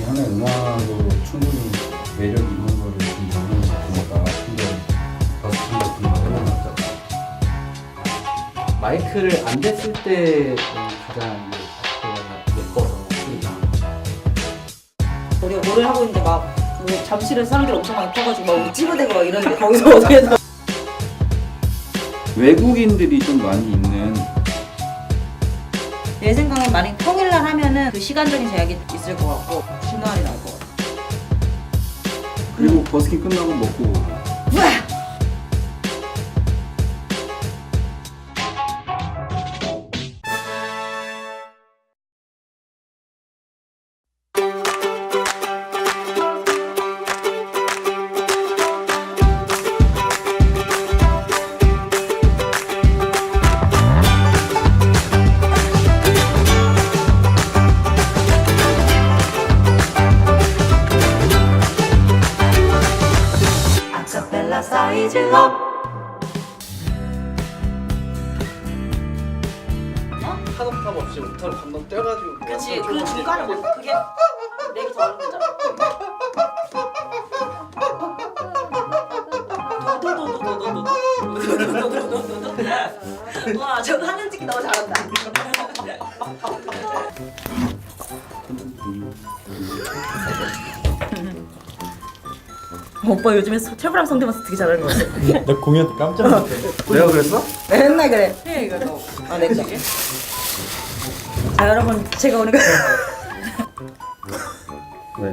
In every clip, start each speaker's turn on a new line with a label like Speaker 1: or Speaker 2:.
Speaker 1: 하나의 음악으로 충분히 매력 있는 거를 좀 적는 작품이다. 근데 버스킹 같은 거 해보면
Speaker 2: 마이크를 안 댔을 때 가장 예뻐서 소리가.
Speaker 3: 우리가 노래를 하고 있는데 막 잠실에 사람들이 엄청 많이 펴가지고 막 우리 찌부대고 막 이러는데 거기서 어떻게 해서
Speaker 1: 외국인들이 좀 많이 있는
Speaker 3: 내 생각엔 만약 평일날 하면은 그 시간적인 제약이 있을 것 같고 주말이 나을 것 같아.
Speaker 1: 그리고 버스킹 끝나고 먹고
Speaker 3: 아카펠라 사이즈업.
Speaker 2: 타덕탑 없이 오타를 반번 떼가지고.
Speaker 3: 그렇지. 그 중간에 뭐 그게 렉이 더 하는 거잖아. 와, 저 하는 찍기 너무 잘한다. 오빠 요즘에 최불암 성대모사 되게 잘하는 거 같아.
Speaker 4: 나 공연 때 깜짝 놀랐어.
Speaker 1: 내가 그랬어?
Speaker 3: 맨날 그래. 해 이거 너. 아, 내 거. 자, 여러분 제가 오늘
Speaker 1: 왜?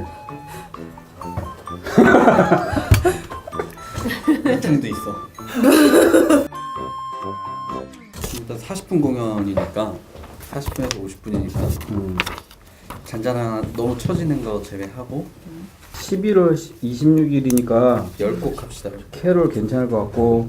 Speaker 4: 미팅도 있어.
Speaker 5: 일단 40분 공연이니까 40분에서 50분이니까 잔잔한 너무 처지는 거 제외하고
Speaker 1: 11월 26일이니까
Speaker 5: 10곡 합시다.
Speaker 1: 캐롤 괜찮을 것 같고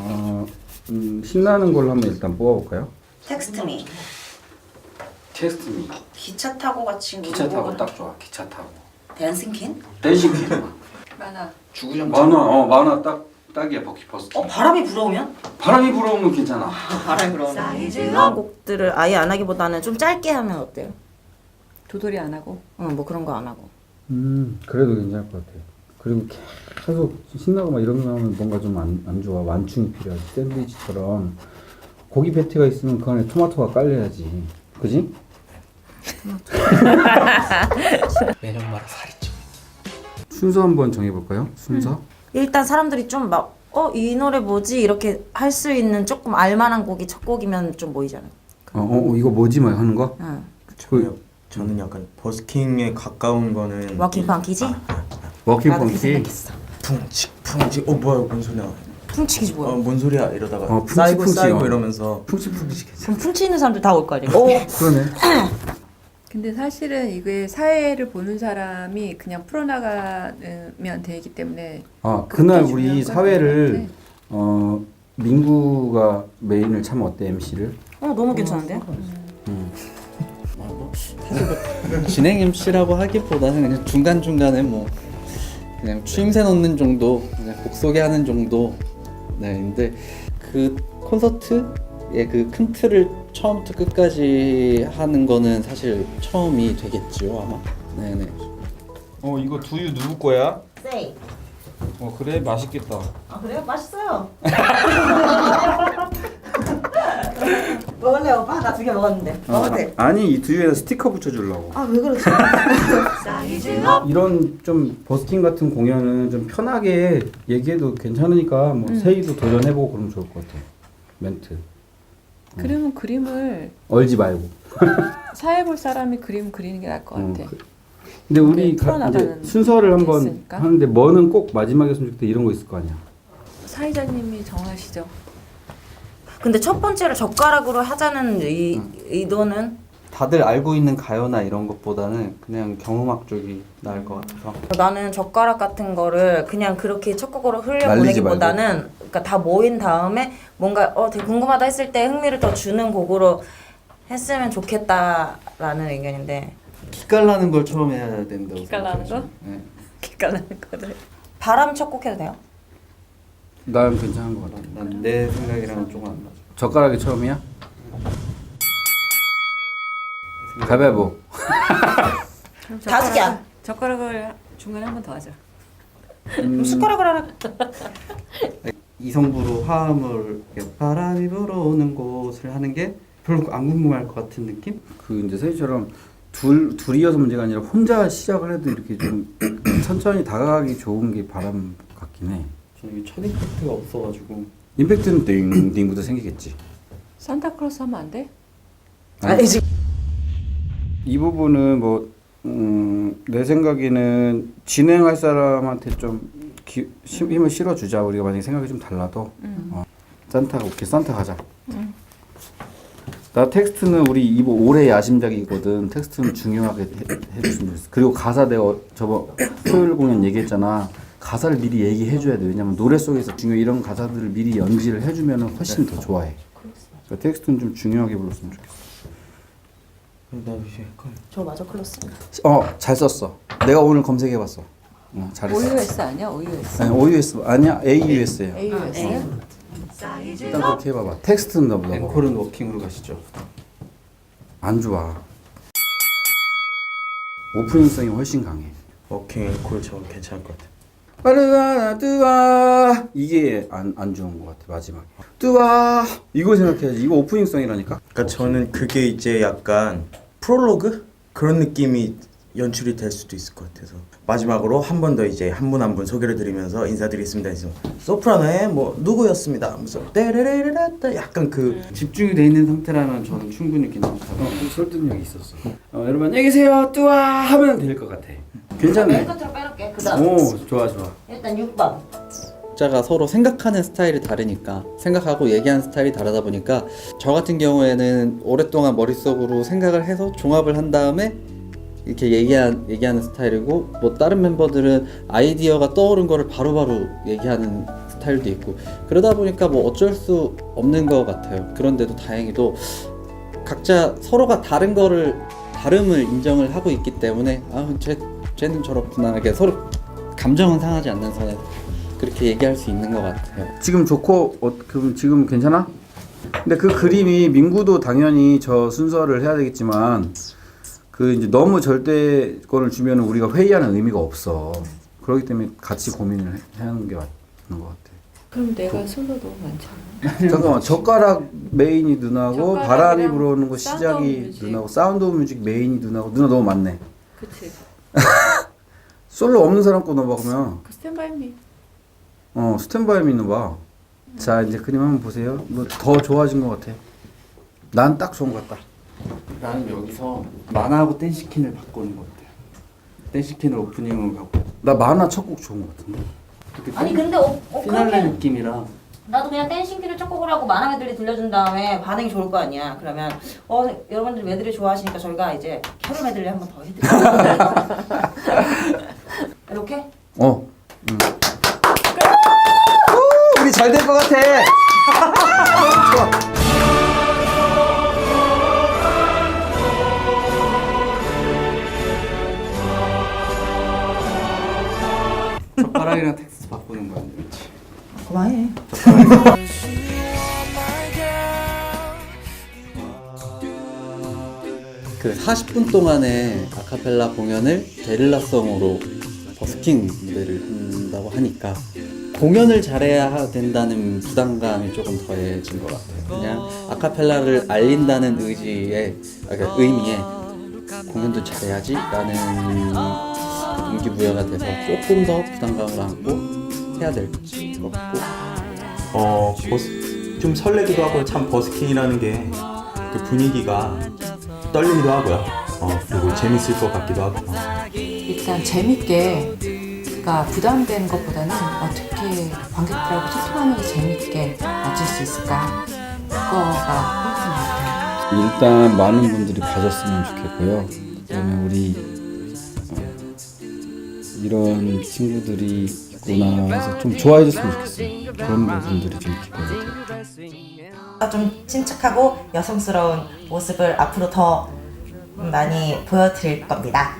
Speaker 1: 신나는 걸로 한번 일단 뽑아볼까요?
Speaker 3: 텍스트미.
Speaker 1: 테스트미
Speaker 3: 기차 타고 같이
Speaker 1: 기차 타고 딱 좋아. 기차 타고
Speaker 3: 댄싱 퀸?
Speaker 1: 댄싱 퀸
Speaker 3: 만화.
Speaker 5: 주구장
Speaker 1: 만화 딱이야. 버킷버스킹
Speaker 3: 바람이 불어오면?
Speaker 1: 바람이 불어오면 괜찮아.
Speaker 3: 바람이 불어오면. 이런 곡들을 아예 안 하기보다는 좀 짧게 하면 어때요?
Speaker 6: 도돌이 안 하고.
Speaker 3: 뭐 그런 거 안 하고.
Speaker 1: 그래도 괜찮을 것 같아. 그리고 계속 신나고 막 이런 거 나오면 뭔가 좀 안 좋아. 완충이 필요하지. 샌드위치처럼 고기 패티가 있으면 그 안에 토마토가 깔려야지. 그지?
Speaker 2: 매년 마라 살이 좀.
Speaker 1: 순서 한번 정해볼까요? 순서?
Speaker 3: 일단 사람들이 좀 막 이 노래 뭐지? 이렇게 할 수 있는 조금 알만한 곡이 첫 곡이면 좀 모이잖아요.
Speaker 1: 이거 뭐지? 막 하는 거?
Speaker 3: 응.
Speaker 4: 저는 약간 버스킹에 가까운 거는
Speaker 3: 워킹 펑키지?
Speaker 1: 워킹
Speaker 3: 나도 그
Speaker 1: 펑키?
Speaker 3: 생각했어.
Speaker 4: 퉁칙 뭐야 뭔 소리야?
Speaker 3: 퉁치기지 뭐야?
Speaker 4: 뭔 소리야 이러다가
Speaker 1: 푹치푹치,
Speaker 4: 쌓이고 쌓이고
Speaker 1: 어.
Speaker 4: 이러면서
Speaker 1: 푹치푹치 괜찮아.
Speaker 3: 그럼 퉁치 있는 사람들 다 올 거 아니야?
Speaker 1: 그러네.
Speaker 6: 근데 사실은 이게 사회를 보는 사람이 그냥 풀어나가면 되기 때문에
Speaker 1: 그날
Speaker 6: 그것도
Speaker 1: 우리
Speaker 6: 중요한 건
Speaker 1: 사회를
Speaker 6: 같아.
Speaker 1: 민구가 메인을 차면 어때? MC를?
Speaker 3: 너무 괜찮은데?
Speaker 5: 진행 MC라고 하기보다는 그냥 중간중간에 뭐 그냥 추임새 넣는 정도, 그냥 곡 소개하는 정도. 네, 근데 그 콘서트의 그 큰 틀을 처음부터 끝까지 하는 거는 사실 처음이 되겠지요 아마. 네네.
Speaker 4: 이거 두유 누구 거야?
Speaker 3: 세이.
Speaker 4: 그래 맛있겠다.
Speaker 3: 아 그래요? 맛있어요. 먹을래 오빠? 나 2개 먹었는데. 먹어도 돼.
Speaker 1: 아니 이 두유에다 스티커 붙여주려고.
Speaker 3: 왜 그러지?
Speaker 1: 이런 좀 버스킹 같은 공연은 좀 편하게 얘기해도 괜찮으니까 뭐 세이도 도전해보고 그러면 좋을 것 같아. 멘트.
Speaker 6: 그러면 그림을
Speaker 1: 얼지 말고.
Speaker 6: 사회 볼 사람이 그림 그리는 게 나을 것 같아.
Speaker 1: 근데 우리 이제
Speaker 6: 풀어나가는
Speaker 1: 순서를
Speaker 6: 게
Speaker 1: 한번
Speaker 6: 있으니까.
Speaker 1: 하는데 뭐는 꼭 마지막에 했으면 좋겠다 이런 거 있을 거 아니야.
Speaker 6: 사회자님이 정하시죠.
Speaker 3: 근데 첫 번째를 젓가락으로 하자는 의도는
Speaker 5: 다들 알고 있는 가요나 이런 것보다는 그냥 경음악 쪽이 나을 것 같아서.
Speaker 3: 나는 젓가락 같은 거를 그냥 그렇게 첫 곡으로
Speaker 1: 말리지
Speaker 3: 흘려보내기보다는 그러니까 다 모인 다음에 뭔가 되게 궁금하다 했을 때 흥미를 더 주는 곡으로 했으면 좋겠다라는 의견인데
Speaker 5: 기깔나는 걸 처음 해야 된다고.
Speaker 6: 기깔나는
Speaker 5: 생각하죠.
Speaker 6: 거?
Speaker 5: 네.
Speaker 6: 기깔나는 거를.
Speaker 3: 바람 첫 곡 해도 돼요?
Speaker 1: 난 괜찮은 것 같아.
Speaker 5: 난 내 생각이랑은 조금 안 맞아.
Speaker 1: 젓가락이 처음이야? 가위바위보.
Speaker 3: 5개.
Speaker 6: 젓가락을 중간에 한 번 더 하자.
Speaker 3: 숟가락을 하나.
Speaker 5: 이성부로 화음을 이렇게 바람이 불어오는 곳을 하는 게 별로 안 궁금할 것 같은 느낌?
Speaker 1: 그 이제 선생님처럼 둘이어서 문제가 아니라 혼자 시작을 해도 이렇게 좀 천천히 다가가기 좋은 게 바람 같긴 해.
Speaker 5: 저는 이게 첫 임팩트가 없어가지고
Speaker 1: 임팩트는 띵띵부터 생기겠지.
Speaker 6: 산타클로스 하면 안 돼?
Speaker 3: 아니 지금
Speaker 1: 이 부분은 뭐 내 생각에는 진행할 사람한테 좀 힘을 실어주자. 우리가 만약에 생각이 좀 달라도 산타가 오케이 산타 가자. 나 텍스트는 우리 이거 올해 야심작이거든. 텍스트는 중요하게 해줬으면 좋겠어. 그리고 가사 내가 저번 토요일 공연 얘기했잖아. 가사를 미리 얘기해줘야 돼. 왜냐면 노래 속에서 중요 이런 가사들을 미리 연기를 해주면 훨씬 더 좋아해. 그러니까 텍스트는 좀 중요하게 불렀으면 좋겠어.
Speaker 4: 나 이제 헷갈려.
Speaker 3: 저 마저 클로스.
Speaker 1: 잘 썼어. 내가 오늘 검색해봤어. 잘했어.
Speaker 6: OUS 아니야? OUS.
Speaker 1: 아니, OUS 아니야 AUS야.
Speaker 6: AUS야?
Speaker 1: 일단 그렇게 해봐봐. 텍스트는 나보다
Speaker 5: 앵콜은 워킹으로 가시죠.
Speaker 1: 안 좋아. 오프닝성이 훨씬 강해.
Speaker 4: 워킹 앵콜 저 괜찮을 것 같아.
Speaker 1: 빠르다 뚜아 이게 안 좋은 것 같아 마지막에. 뚜아 이거 생각해야지. 이거 오프닝성이라니까.
Speaker 7: 그러니까 저는 그게 이제 약간 프롤로그 그런 느낌이 연출이 될 수도 있을 것 같아서 마지막으로 한 번 더 이제 한 분 한 분 소개를 드리면서 인사드리겠습니다. 해서 소프라노의 뭐 누구였습니다. 무슨 떼레레레레 약간 그
Speaker 5: 집중이 돼 있는 상태라면 저는 충분히 괜찮다.
Speaker 1: 설득력이 있었어. 여러분 안녕히 계세요 뚜아 하면 될 것 같아. 괜찮네.
Speaker 3: 끝으로 빼놓게. 그다음
Speaker 1: 오 좋아 좋아.
Speaker 3: 일단 6번.
Speaker 5: 각자가 서로 생각하는 스타일이 다르니까 생각하고 얘기하는 스타일이 다르다 보니까 저 같은 경우에는 오랫동안 머릿속으로 생각을 해서 종합을 한 다음에 이렇게 얘기하는 스타일이고 뭐 다른 멤버들은 아이디어가 떠오른 거를 바로바로 얘기하는 스타일도 있고 그러다 보니까 뭐 어쩔 수 없는 것 같아요. 그런데도 다행히도 각자 서로가 다름을 인정을 하고 있기 때문에 쟤는 저렇구나 이렇게 서로 감정은 상하지 않는 선에서 그렇게 얘기할 수 있는 것 같아요.
Speaker 1: 지금 좋고 그럼 지금 괜찮아? 근데 그 그림이 민구도 당연히 저 순서를 해야 되겠지만 그 이제 너무 절대권을 주면 우리가 회의하는 의미가 없어. 그렇기 때문에 같이 고민을 하는 게 맞는 것 같아.
Speaker 6: 그럼 내가 솔로 너무 많잖아.
Speaker 1: 잠깐만 젓가락 메인이 누나고
Speaker 6: 젓가락이랑
Speaker 1: 바람이 불어오는 거
Speaker 6: 사운드 오브
Speaker 1: 시작이
Speaker 6: 뮤직.
Speaker 1: 누나고 사운드 오브 뮤직 메인이 누나고 누나 너무 많네.
Speaker 6: 그치.
Speaker 1: 솔로 없는 사람 거 넣어봐 그러면.
Speaker 6: 그 스탠바이 미.
Speaker 1: 스탠바이 미 넣어봐. 자 이제 그림 한번 보세요. 뭐 더 좋아진 것 같아. 난 딱 좋은 것 같다.
Speaker 5: 나는 여기서 만화하고 댄시킨을 바꾸는 것 같아요. 댄시킨을 오프닝으로 가고
Speaker 1: 나 만화 첫 곡 좋은 것 같은데.
Speaker 3: 아니 근데
Speaker 5: 피날레
Speaker 3: 그러면
Speaker 5: 느낌이라
Speaker 3: 나도 그냥 댄싱키를 첫 곡을 하고 만화 메들리 들려준 다음에 반응이 좋을 거 아니야. 그러면 여러분들 메들리 좋아하시니까 저희가 이제 캐롤 메들리 한 번 더 해드릴게요. 이렇게?
Speaker 1: 우리 잘 될 것 같아. 좋아.
Speaker 5: 젓가락이랑 텍스트 바꾸는 거야. 그렇지.
Speaker 3: 그만해.
Speaker 5: 그 40분 동안의 아카펠라 공연을 게릴라성으로 버스킹 무대를 한다고 하니까 공연을 잘해야 된다는 부담감이 조금 더해진 것 같아요. 그냥 아카펠라를 알린다는 의미에 공연도 잘해야지라는 동기부여가 돼서 조금 더 부담감을 안고 해야 될 것 같고
Speaker 7: 좀 설레기도 하고 참 버스킹이라는 게 그 분위기가 떨리기도 하고요. 그리고 재밌을 것 같기도 하고.
Speaker 6: 일단 재밌게, 그러니까 부담되는 것보다는 어떻게 관객들하고 소통하면서 재밌게 맞출 수 있을까? 그거가 포인트인 것 같아요.
Speaker 1: 일단 많은 분들이 봐줬으면 좋겠고요. 그다음에 우리 이런 친구들이 있구나 해서 좀 좋아해줬으면 좋겠어요. 그런 부분들이 좀 기대가 돼요.
Speaker 3: 좀 침착하고 여성스러운 모습을 앞으로 더 많이 보여드릴 겁니다.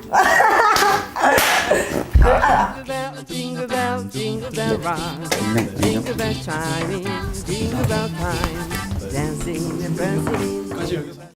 Speaker 8: Jingle bell, jingle bell rock. Jingle bell chiming, jingle bell time. Dancing and prancing.